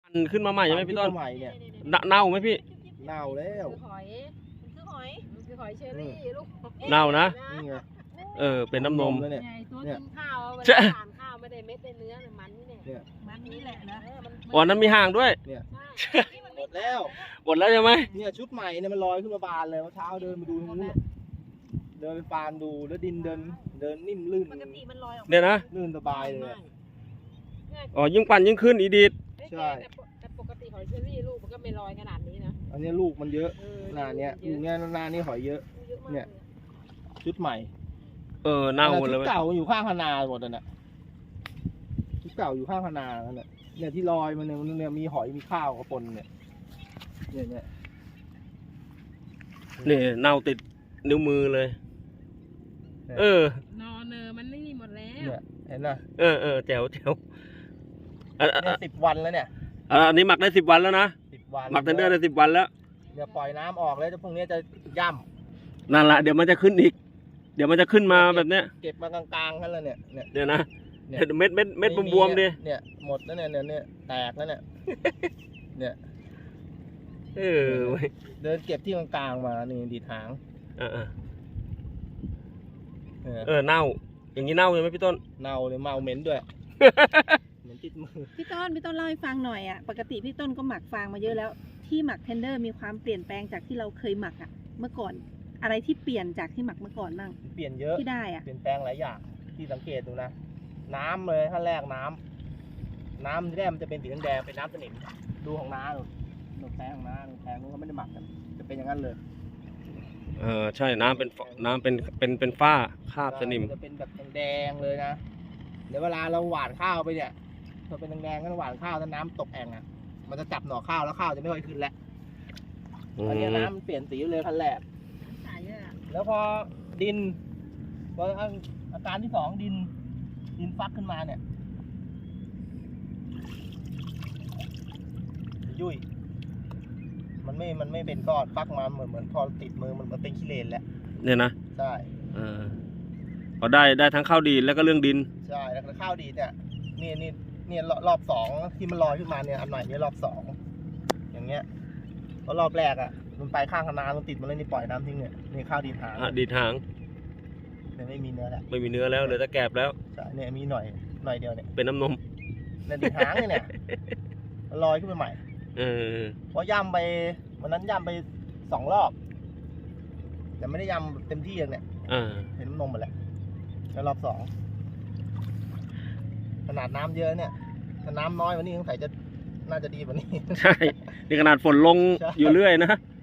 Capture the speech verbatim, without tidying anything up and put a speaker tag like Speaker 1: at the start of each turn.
Speaker 1: ขึ้นมาใหม่ใช่ไหมพี่ต้น
Speaker 2: ใหม่เนี่ย
Speaker 1: เน่าไหมพี่
Speaker 2: เน่าแล้ว
Speaker 3: คือหอยมันคือหอยมันคือหอยเชอรี่ลูก
Speaker 1: เน่านะ
Speaker 2: นี่ไง
Speaker 1: เออเป็นน้ำนม
Speaker 2: เลยเนี่ย
Speaker 3: ใหญ่ตัวกินข้าวเว
Speaker 1: ใช่
Speaker 3: ลาทานข้าวไม่ได้เม็ดได้เนื้อเนี่ยมันนี่เนี่ยมันนี่แหละนะ
Speaker 1: อ๋อนั้นมีห่างด้วย
Speaker 2: หมดแล้ว
Speaker 1: หมดแล้วใช่ไหม
Speaker 2: เนี่ยชุดใหม่เนี่ยมันลอยขึ้นมาบานเลยเมื่อเช้าเดินไปดูตรงนู้นเดินไปฟานดูแล้วดินเดินเดินนิ่มลื่น
Speaker 3: ปกติมันลอยออก
Speaker 1: เนี่ยนะ
Speaker 2: ลื่นสบายเลย
Speaker 1: อ๋อยิ่งปั่นยิ่งขึ้นอีดีด
Speaker 2: ใช่
Speaker 3: แต่ปกติหอยเชอรี่ลูกมันก็ไม่ลอยขนาดนี้นะ
Speaker 2: อันนี้ลูกมันเยอะ
Speaker 3: เออ
Speaker 2: หน้าเนี้ยลูกเนี้ยหน้านี้หอยเยอะ
Speaker 3: เยอะมาก
Speaker 2: เนี่ย ชุดใหม่
Speaker 1: เออเน่าหมดเลย
Speaker 2: ชุดเก่าอยู่ข้างพนาหมดเลยน่ะชุดเก่าอยู่ข้างพนาแล้วเนี่ยเนี่ยที่ลอยมันเนี่ยมันเนี่ยมีหอยมีข้าวกับปนเนี่ยเนี่ยเนี่ย
Speaker 1: นี่เน่าติดนิ้วมือเลย เออน
Speaker 3: อนเนอมันนี่หมดแล้ว
Speaker 2: เนี่ยเห็นนะ
Speaker 1: เออเออแจ๋วแจ๋วอ่ะอ่ะ
Speaker 2: เนี่ยสิบวันแล้วเนี่ย
Speaker 1: อ่ะอันนี้หมักได้สิบวันแล้วนะ
Speaker 2: สิบวัน
Speaker 1: หมักเทนเดอร์ได้สิบวันแล้ว
Speaker 2: เดี๋ยวปล่อยน้ำออกแล้วจะพวกนี้จะย่ำ
Speaker 1: นั่นแหละเดี๋ยวมันจะขึ้นอีก เดี๋ยวมันจะขึ้นมาแบบเนี้ย
Speaker 2: เก็บมากลางๆกันแล้วเนี่ยเนี่ย
Speaker 1: เดี๋ยวนะ
Speaker 2: เนี่ย
Speaker 1: เม็ดเม็ดเม็ดบวมๆดิ
Speaker 2: เนี่ยหมดแล้วเนี่ยเนี่ยเนี่ยแตกแล้วเนี่ยเนี่ย
Speaker 1: เออเว้ย
Speaker 2: เดินเก็บที่กลางๆมานี่ดีดหาง
Speaker 1: เออเออ
Speaker 2: เออ
Speaker 1: เออเน่า อย่างนี้เน่าใช่ไหมพี่ต้น
Speaker 2: เน่าเลยเมาเหม็นด้วย เหม็นติดมือ
Speaker 4: พี่ต้นพี่ต้นเล่าให้ฟังหน่อยอ่ะปกติพี่ต้นก็หมักฟางมาเยอะแล้ว ที่หมักเทนเดอร์มีความเปลี่ยนแปลงจากที่เราเคยหมักอ่ะเมื่อก่อน อะไรที่เปลี่ยนจากที่หมักเมื่อก่อนบ้าง
Speaker 2: เปลี่ยนเยอะ
Speaker 4: ที่ได้อ่ะ
Speaker 2: เปลี่ยนแปลงหลายอย่างที่สังเกตดูนะ น้ำเลยขั้นแรกน้ำน้ำที่แรกมันจะเป็นสีแดงๆเป็นน้ำสนิมดูของน้าดูดูแพงของน้าดูแพงนู้นเขาไม่ได้หมักกันจะเป็นอย่างนั้นเลย
Speaker 1: เออใช่น้ำเป็นฝน้ำเป็นเป็นเป็นฝ้าคราบสนิม
Speaker 2: จะเป็นแบบแดงๆเลยนะเดี๋ยวเวลาเราหว่านข้าวไปเนี่ยพอเป็นแดงๆก็หว่านข้าวถ้าน้ำตกแอ่งอ่ะมันจะจับหน่อข้าวแล้วข้าวจะไม่ค่อยขึ้นแล้ว
Speaker 1: อื
Speaker 2: อันนี้
Speaker 1: ม
Speaker 2: น้ำมันเปลี่ยนสีเลยขั้นแรก
Speaker 3: สายเลยอ่ะ
Speaker 2: แล้วพอดินพออาการที่สองดิน ดินฟักขึ้นมาเนี่ยยุ่ยมันไม่มันไม่เป็นก้อนฟักมาเหมือนเหมือนพอติดมือมันมันเป็นขี้เลนแล้ว
Speaker 1: เนี่ยนะ
Speaker 2: ใช่
Speaker 1: เออพอได้ได้ทั้งข้าวดีแล้วก็เรื่องดิน
Speaker 2: ใช่แล้วข้าวดีเนี่ยนี่นี่เนี่ยรอบสองที่มันลอยขึ้นมาเนี่ยอันใหม่นี่รอบสองอย่างเงี้ยเพราะรอบแรกอ่ะมันไปข้างคณะมันติดมาเลยนี่ปล่อยน้ำทิ้งเนี่ยนี่ข้าวดีหาง
Speaker 1: อ่ะดีทาง
Speaker 2: เนี่ยไม่มีเนื้อแล้ว
Speaker 1: ไม่มีเนื้อแล้วเหลือแต่แกบแล้ว
Speaker 2: ใช่เนี่ยมีหน่อยหน่อยเดียวเนี่ย
Speaker 1: เป็นน้ำนม
Speaker 2: เนี่ยดีหางเนี่ยเนี่ยมันลอยขึ้นมาใหม่
Speaker 1: เออ
Speaker 2: เพราะย่ำไปวันนั้นย่ำไปสองรอบแต่ไม่ได้ย่ำเต็มที่เลยเนี่ย
Speaker 1: อ่า
Speaker 2: เห็นน้ำนมหมดแล้วแล้วรอบสองขนาดน้ำเยอะเนี่ยถ้าน้ำน้อยกวันนี้สงสัยจะน่าจะดีกว่านี้
Speaker 1: ใช่นี่ขนาดฝนลง
Speaker 2: ใช่
Speaker 1: อยู่เรื่อยนะ
Speaker 2: ใ